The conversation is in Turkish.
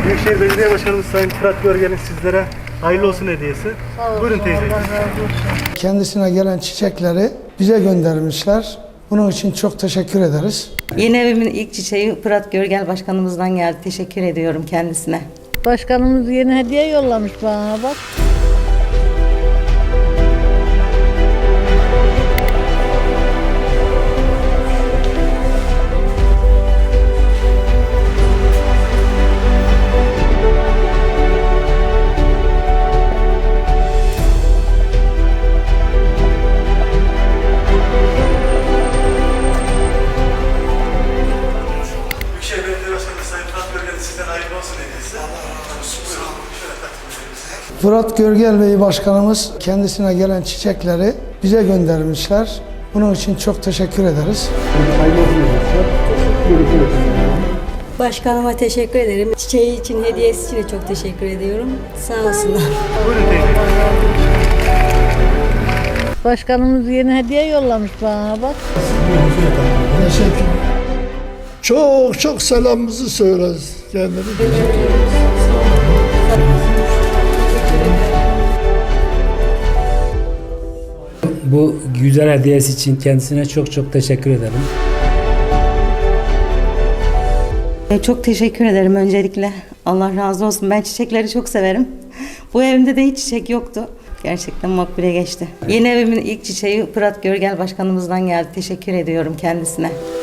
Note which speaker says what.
Speaker 1: Büyükşehir Belediye Başkanımız Sayın Fırat Görgel'in sizlere hayırlı olsun hediyesi. Buyurun teyze.
Speaker 2: Kendisine gelen çiçekleri bize göndermişler. Bunun için çok teşekkür ederiz.
Speaker 3: Yeni evimin ilk çiçeği Fırat Görgel Başkanımızdan geldi. Teşekkür ediyorum kendisine.
Speaker 4: Başkanımız yeni hediye yollamış bana bak.
Speaker 1: Büyükşehir Belediye Başkanımız Sayın Fırat Görgel'in sizden hayırlı olsun hediyesi.
Speaker 2: Fırat Görgel Bey Başkanımız kendisine gelen çiçekleri bize göndermişler. Bunun için çok teşekkür ederiz.
Speaker 5: Başkanıma teşekkür ederim. Çiçeği için, hediyesi için de çok teşekkür ediyorum. Sağ olsunlar.
Speaker 1: Buyurun teyze.
Speaker 4: Başkanımız yeni hediye yollamış bana bak.
Speaker 2: Teşekkür.
Speaker 6: Çok çok selamımızı söyleriz kendine.
Speaker 7: Bu güzel hediyesi için kendisine çok çok teşekkür ederim.
Speaker 3: Çok teşekkür ederim öncelikle. Allah razı olsun. Ben çiçekleri çok severim. Bu evimde de hiç çiçek yoktu. Gerçekten makbule geçti. Yeni evimin ilk çiçeği Fırat Görgel Başkanımızdan geldi. Teşekkür ediyorum kendisine.